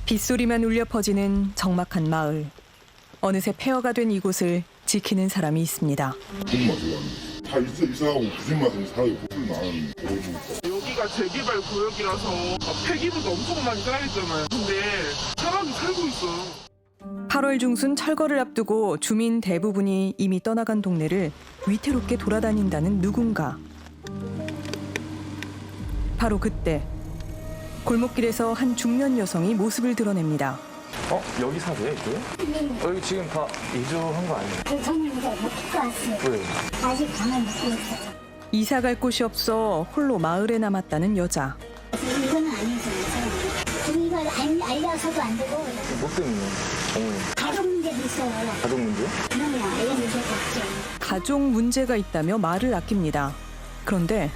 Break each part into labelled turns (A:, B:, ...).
A: 빗소리만 울려 퍼지는 적막한 마을. 어느새 폐허가 된 이곳을 지키는 사람이 있습니다.
B: 다 이사하고 부진 맛은 살아요. 부진 많은
C: 여기가 재개발 구역이라서 폐기물도 엄청 많이 쌓여있잖아요. 근데 사람이 살고 있어요.
A: 8월 중순 철거를 앞두고 주민 대부분이 이미 떠나간 동네를 위태롭게 돌아다닌다는 누군가. 바로 그때 골목길에서 한 중년 여성이 모습을 드러냅니다.
D: 여기 사세요, 이거? 여기 지금 다 이주한 거 아니에요?
E: 저는 이제 못 듣고 왔어요.
D: 왜?
E: 아직 방을 못 구했어요.
A: 이사 갈 곳이 없어 홀로 마을에 남았다는 여자.
E: 이거는 아니죠. 이걸 알려서도 안 되고
D: 뭐 때문에? 어머니.
E: 가족 문제도 있어요.
D: 가족 문제?
E: 그러면 알려 문제가 없죠.
A: 가족 문제가 있다며 말을 아낍니다. 그런데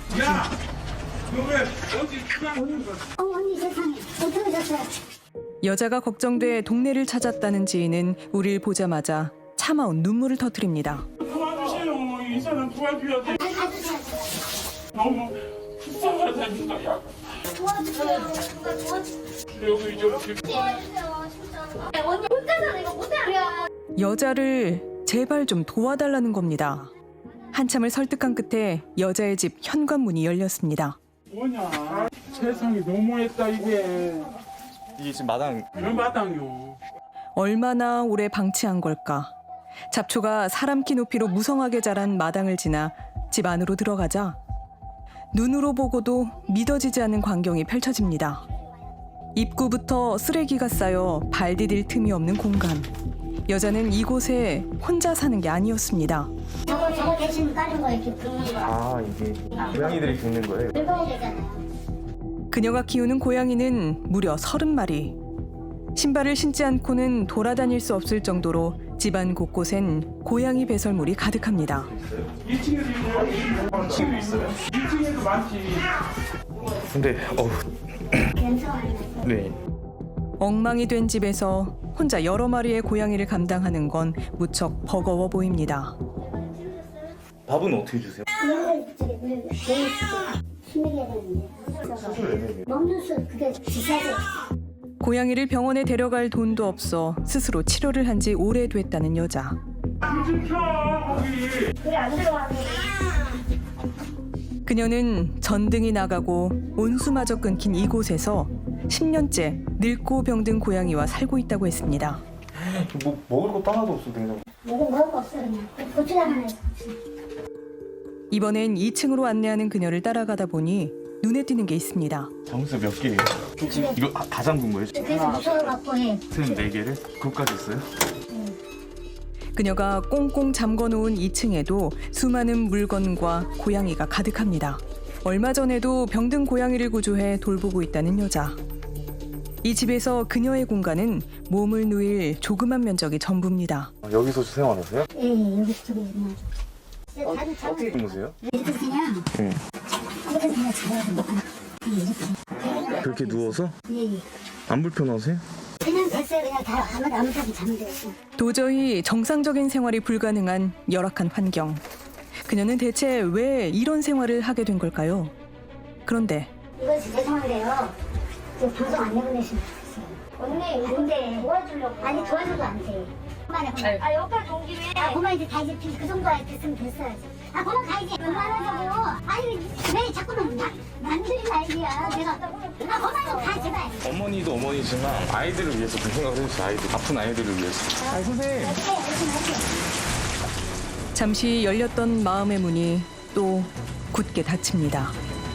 E: 언니 세상에 어떻게 됐어요?
A: 여자가 걱정돼 동네를 찾았다는 지인은 우리를 보자마자 차마운 눈물을 터뜨립니다.
C: 도와주세요. 이 사람 도와줘야 돼. 너무 불쌍하다니까.
E: 도와주세요. 누가 도와주세요.
C: 여기 이렇게
E: 도와주세요. 진짜. 언니 혼자서 이거 못해요.
A: 여자를 제발 좀 도와달라는 겁니다. 한참을 설득한 끝에 여자의 집 현관문이 열렸습니다.
C: 뭐냐. 세상이 너무했다 이게.
D: 이게 지금 마당.
C: 왜 마당이요.
A: 얼마나 오래 방치한 걸까. 잡초가 사람 키 높이로 무성하게 자란 마당을 지나 집 안으로 들어가자 눈으로 보고도 믿어지지 않는 광경이 펼쳐집니다. 입구부터 쓰레기가 쌓여 발 디딜 틈이 없는 공간. 여자는 이곳에 혼자 사는 게 아니었습니다.
E: 저거 대신 까는 거 이렇게 긁는 거.
D: 아, 이게 고양이들이 긁는 거예요?
E: 긁어야 되잖아요.
A: 그녀가 키우는 고양이는 무려 30마리. 신발을 신지 않고는 돌아다닐 수 없을 정도로 집안 곳곳엔 고양이 배설물이 가득합니다.
C: 2층에도 있어요.
D: 2층에도 있어요?
C: 2층에도 많지.
D: 근데,
E: 괜찮아요.
D: 네.
A: 엉망이 된 집에서 혼자 여러 마리의 고양이를 감당하는 건 무척 버거워 보입니다.
D: 밥은 어떻게 주세요?
E: 물 힘들게 해야 되는데.
D: 수술 애매해요.
E: 먹는 술 그게 비싸죠.
A: 고양이를 병원에 데려갈 돈도 없어 스스로 치료를 한 지 오래됐다는 여자.
E: 그래 안 들어가네.
A: 그녀는 전등이 나가고 온수마저 끊긴 이곳에서 10년째 늙고 병든 고양이와 살고 있다고 했습니다.
D: 뭐 먹을 것도 하나도 없어, 냉장고.
E: 먹을 거 없어 그냥. 고추장 하나 있어.
A: 이번엔 2층으로 안내하는 그녀를 따라가다 보니 눈에 띄는 게 있습니다.
D: 장수 몇 개예요? 이거 다 잠근 거예요?
E: 그래서 무서워갖고 해.
D: 쌤 4개를? 그것까지 있어요?
A: 그녀가 꽁꽁 잠궈놓은 2층에도 수많은 물건과 고양이가 가득합니다. 얼마 전에도 병든 고양이를 구조해 돌보고 있다는 여자. 이 집에서 그녀의 공간은 몸을 누일 조그만 면적이 전부입니다.
D: 여기서 생활하세요?
E: 예, 여기 저기 있나.
D: 어떻게 주무세요?
E: 이렇게 그냥
D: 네.
E: 이렇게 그냥 자요. 이렇게.
D: 그렇게 누워서?
E: 예, 예.
D: 안 불편하세요?
E: 그냥 됐어요. 그냥 다 아무 데나 자면 돼요.
A: 도저히 정상적인 생활이 불가능한 열악한 환경. 그녀는 대체 왜 이런 생활을 하게 된 걸까요? 그런데
E: 이거 죄송한데요. 저 방송 안 내보내시면 좋겠어요. 언니, 근데 도와주려고. 아니, 도와줘도 안 돼. 그만해. 아, 여기까지 온 김에. 아, 그만 이제 다 이제 그 정도 됐으면 됐어야지. 아, 그만 가야지. 그만하자고요. 아니, 왜 자꾸만 만들지 말기야. 내가. 아, 그만 좀 가, 제발.
D: 어머니도 어머니지만 아이들을 위해서 그 생각을 해주세요. 아이들. 아픈 아이들을 위해서. 아니, 선생님.
A: 잠시 열렸던 마음의 문이 또 굳게 닫힙니다.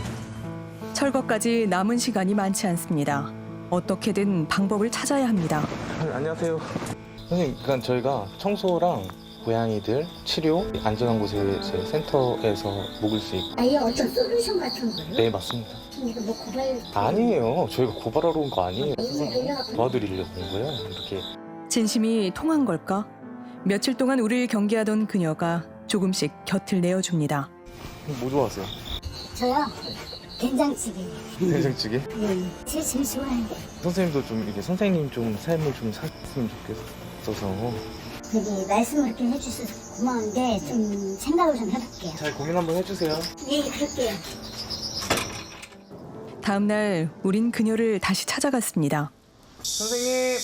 A: 철거까지 남은 시간이 많지 않습니다. 어떻게든 방법을 찾아야 합니다.
D: 안녕하세요. 선생님, 그러니까 저희가 청소랑 고양이들 치료 안전한 곳에 제 센터에서 묵을 수 있고.
E: 아, 이게 어떤 솔루션 같은 거예요?
D: 네, 맞습니다.
E: 이거 뭐 고발.
D: 아니에요. 저희가 고발하러 온 거 아니에요. 도와드리려고 온 거예요. 이렇게.
A: 진심이 통한 걸까? 며칠 동안 우리를 경계하던 그녀가 조금씩 곁을 내어줍니다.
D: 뭐 좋아하세요?
E: 저요? 된장찌개.
D: 된장찌개?
E: 예. 제일 좋아하는데.
D: 선생님도 좀 이렇게 선생님 좀 삶을 좀 살았으면 좋겠어서
E: 여기 말씀을 이렇게 해주셔서 고마운데 좀 생각을 좀 해볼게요.
D: 잘 고민 한번 해주세요.
E: 네, 그럴게요.
A: 다음 날 우린 그녀를 다시 찾아갔습니다.
D: 선생님.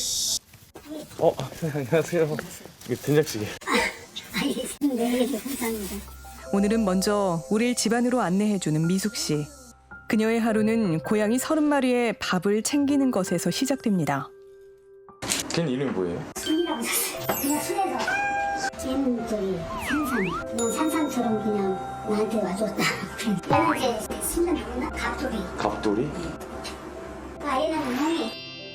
D: 안녕하세요. 이게 된장찌개.
E: 네, 감사합니다.
A: 오늘은 먼저 우릴 집안으로 안내해주는 미숙 씨. 그녀의 하루는 고양이 30마리의 밥을 챙기는 것에서 시작됩니다.
D: 걔는 이름이 뭐예요?
E: 순이라고 샀어요. 그냥 순해서. 걔는 저기 산산. 그냥 산산처럼 그냥 나한테 와줬다. 얘는 이제 순간 누구나 갑돌이.
D: 갑돌이?
E: 아이는 형이.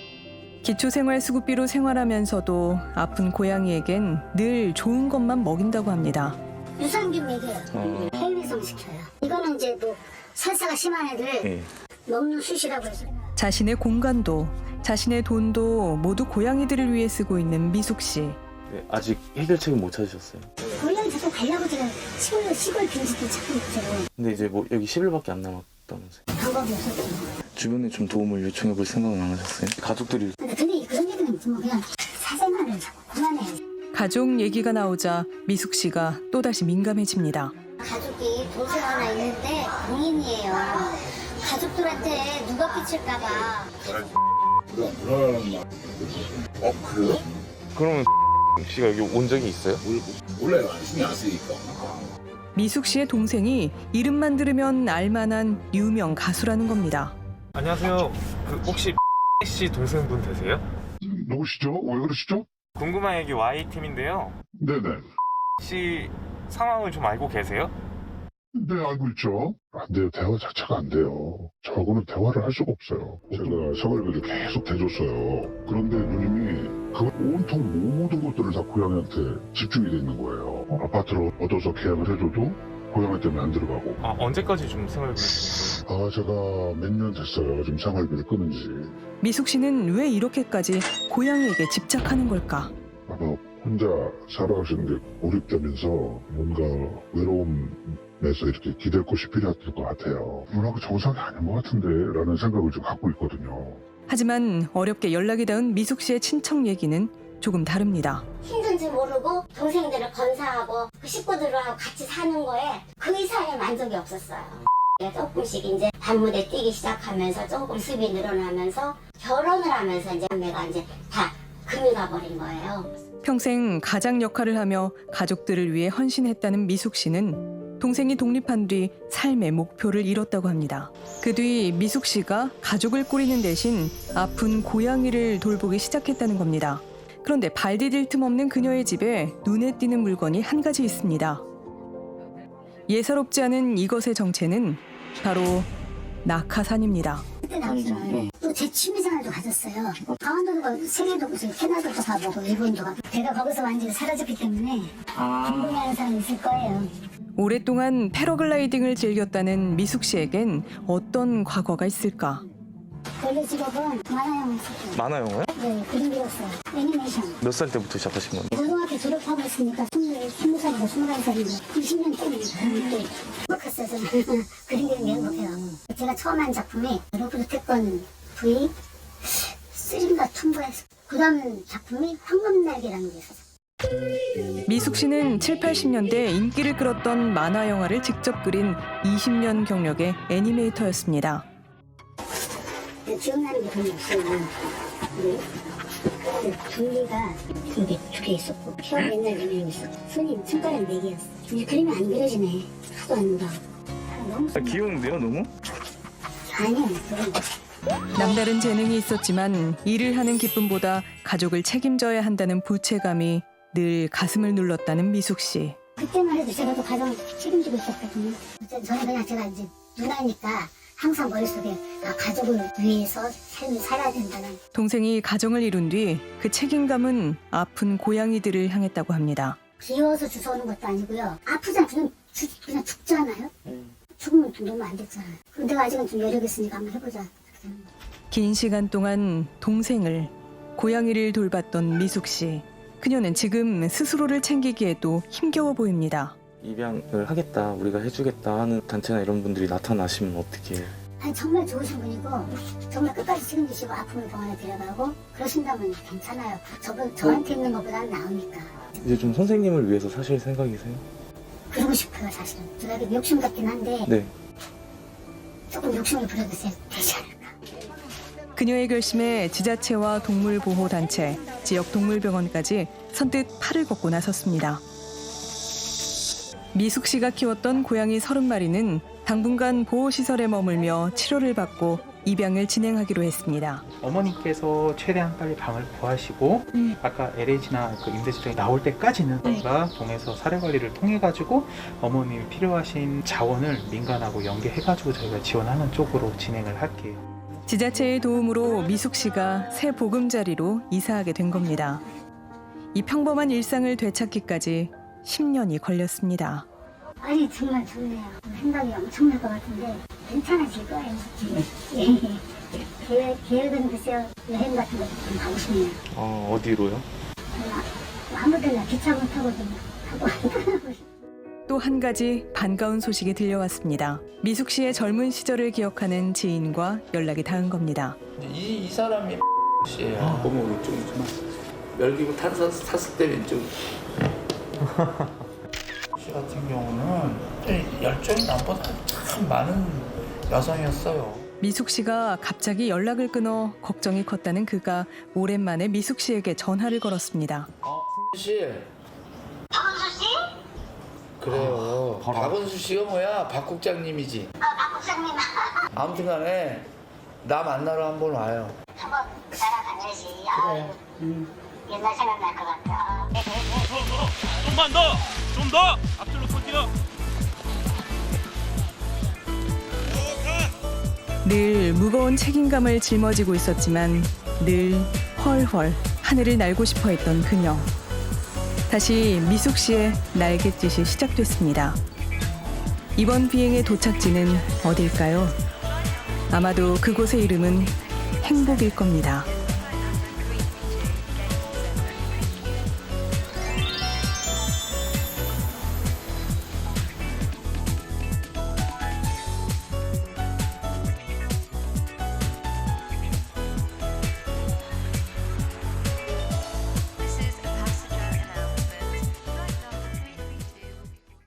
A: 기초생활수급비로 생활하면서도 아픈 고양이에겐 늘 좋은 것만 먹인다고 합니다.
E: 유산균 먹여요. 해외성 시켜요. 이거는 이제 뭐 설사가 심한 애들
D: 네.
E: 먹는 숯이라고 해서.
A: 자신의 공간도 자신의 돈도 모두 고양이들을 위해 쓰고 있는 미숙 씨.
D: 네, 아직 해결책은 못 찾으셨어요.
E: 고양이 자꾸 가려고 제가 시골 빈집도 찾고 있죠.
D: 근데 이제 뭐 여기 10일밖에 안 남았다면서요.
E: 방법이 없었죠.
D: 주변에 좀 도움을 요청해 볼 생각은 안 하셨어요? 가족들이
E: 근데 그런 얘기는 뭐 그냥 사생활을 자꾸 그만해요.
A: 가족 얘기가 나오자 미숙 씨가 또다시 민감해집니다.
E: 가족이 동생 하나 있는데 공인이에요. 가족들한테 누가 끼칠까봐.
B: 불안한 말. 그래요?
D: 그러면 씨가 여기 온 적이 있어요?
B: 원래 신경 안 쓰니까.
A: 미숙 씨의 동생이 이름만 들으면 알만한 유명 가수라는 겁니다.
F: 안녕하세요. 혹시 씨 동생분 되세요?
B: 누구시죠? 왜 그러시죠?
F: 궁금한 얘기 Y팀인데요.
B: 네네.
F: 씨 상황을 좀 알고 계세요?
B: 네, 알고 있죠. 안 돼요. 대화 자체가 안 돼요. 저하고는 대화를 할 수가 없어요. 제가 생활비를 계속 대줬어요. 그런데 누님이 그 온통 모든 것들을 다 고양이한테 집중이 돼 있는 거예요. 아파트로 얻어서 계약을 해줘도 고양이 때문에 안 들어가고.
F: 언제까지 좀 생활비를 주세요?
B: 제가 몇 년 됐어요. 지금 생활비를 끊은 지.
A: 미숙 씨는 왜 이렇게까지 고양이에게 집착하는 걸까?
B: 아마 혼자 살아가시는 게 고립되면서 뭔가 외로움에서 이렇게 기댈 곳이 필요했을 것 같아요. 문화가 정상이 아닌 것 같은데 라는 생각을 좀 갖고 있거든요.
A: 하지만 어렵게 연락이 닿은 미숙 씨의 친척 얘기는 조금 다릅니다.
E: 힘든지 모르고 동생들을 건사하고 그 식구들하고 같이 사는 거에 그 이상의 만족이 없었어요. 조금씩 이제 단무대 뛰기 시작하면서 조금 수입이 늘어나면서 결혼을 하면서 이제 내가 이제 다 금이 가버린 거예요.
A: 평생 가장 역할을 하며 가족들을 위해 헌신했다는 미숙 씨는 동생이 독립한 뒤 삶의 목표를 잃었다고 합니다. 그 뒤 미숙 씨가 가족을 꾸리는 대신 아픈 고양이를 돌보기 시작했다는 겁니다. 그런데 발 디딜 틈 없는 그녀의 집에 눈에 띄는 물건이 한 가지 있습니다. 예사롭지 않은 이것의 정체는 바로 낙하산입니다.
E: 그때 나왔어요. 또 제 취미생활도 가졌어요. 강원도도 가고 세계도 가고 캐나다도 가보고 일본도 가고 제가 거기서 완전히 사라졌기 때문에 궁금해하는 사람 있을 거예요.
A: 오랫동안 패러글라이딩을 즐겼다는 미숙 씨에겐 어떤 과거가 있을까?
E: 원래 직업은 만화영화 했어요.
D: 만화 영화요?
E: 네, 그림 그렸어요. 애니메이션.
D: 몇 살 때부터 시작하신 건가요?
E: 고등학교 졸업하고 있으니까 20살이고 21살이고 20년 때문에 행복했어요. 저는 그림 그리는 게 행복해요. 제가 처음 한 작품이 로브드 태권 V 3인가 2인가 그 다음 작품이 황금날개라는 게 있었어요.
A: 미숙 씨는 7, 80년대 인기를 끌었던 만화 영화를 직접 그린 20년 경력의 애니메이터였습니다.
E: 기억나는 게 별로 없어요. 둘리가 여기 2개 있었고 혀 맨날 4명 있었고 손이 손가락 4개였어. 이제 그림이 안 그려지네. 하도 안 봐. 너무
D: 귀여운데요, 너무?
E: 아니야. 그건
A: 남다른 재능이 있었지만 일을 하는 기쁨보다 가족을 책임져야 한다는 부채감이 늘 가슴을 눌렀다는 미숙 씨.
E: 그때만 해도 제가 또 가정 책임지고 있었거든요. 저는 그냥 제가 이제 누나니까 항상 머릿속에 가족을 위해서 삶을 살아야 된다는.
A: 동생이 가정을 이룬 뒤 그 책임감은 아픈 고양이들을 향했다고 합니다.
E: 귀여워서 주워오는 것도 아니고요. 아프잖아. 그냥 죽잖아요. 죽으면 좀 너무 안 됐잖아요. 그럼 내가 아직은 좀 여력 있으니까 한번 해보자.
A: 긴 시간 동안 동생을, 고양이를 돌봤던 미숙 씨. 그녀는 지금 스스로를 챙기기에도 힘겨워 보입니다.
D: 입양을 하겠다, 우리가 해주겠다 하는 단체나 이런 분들이 나타나시면 어떻게 해요?
E: 아니 정말 좋으신 분이고 정말 끝까지 책임지시고 아픔을 병원에 데려가고 그러신다면 괜찮아요. 저한테 있는 것보다는 나으니까.
D: 이제 좀 선생님을 위해서 사실 생각이세요?
E: 그러고 싶어요 사실은. 제가 이게 욕심 같긴 한데
D: 네.
E: 조금 욕심을 부려도 되지 않을까.
A: 그녀의 결심에 지자체와 동물보호단체, 지역 동물병원까지 선뜻 팔을 걷고 나섰습니다. 미숙 씨가 키웠던 고양이 30마리는 당분간 보호시설에 머물며 치료를 받고 입양을 진행하기로 했습니다.
G: 어머니께서 최대한 빨리 방을 구하시고 아까 LH나 그 임대주택이 나올 때까지는 저희가 동에서 사례관리를 통해 가지고 어머님이 필요하신 자원을 민간하고 연계해 가지고 저희가 지원하는 쪽으로 진행을 할게요.
A: 지자체의 도움으로 미숙 씨가 새 보금자리로 이사하게 된 겁니다. 이 평범한 일상을 되찾기까지 10년이 걸렸습니다.
E: 아니 정말 좋네요. 생각이 엄청날 것 같은데 괜찮아질 거예요. 계획은 글쎄요. 여행 같은 것도 좀 가고 싶네요.
D: 어디로요?
E: 아무 데나 기차 못 타고 좀 가고
A: 또 한 가지 반가운 소식이 들려왔습니다. 미숙 씨의 젊은 시절을 기억하는 지인과 연락이 닿은 겁니다.
H: 이 사람이 씨예요.
G: 너무 왼쪽이지만
H: 멸기구 탔을 때 왼쪽. 씨 같은 경우는 열정이 남보다 참 많은 여성이었어요.
A: 미숙 씨가 갑자기 연락을 끊어 걱정이 컸다는 그가 오랜만에 미숙 씨에게 전화를 걸었습니다.
H: 씨.
E: 박은수 씨?
H: 그래요. 박은수 씨가 뭐야? 박 국장님이지.
E: 박 국장님.
H: 아무튼 간에 나 만나러 한번 와요.
E: 한번 따라다녀야지. 옛날 생각날 것 같다.
I: 좀만 더! 좀 더! 앞줄로 쏠게요.
A: 늘 무거운 책임감을 짊어지고 있었지만 늘 헐헐 하늘을 날고 싶어 했던 그녀. 다시 미숙 씨의 날갯짓이 시작됐습니다. 이번 비행의 도착지는 어딜까요? 아마도 그곳의 이름은 행복일 겁니다.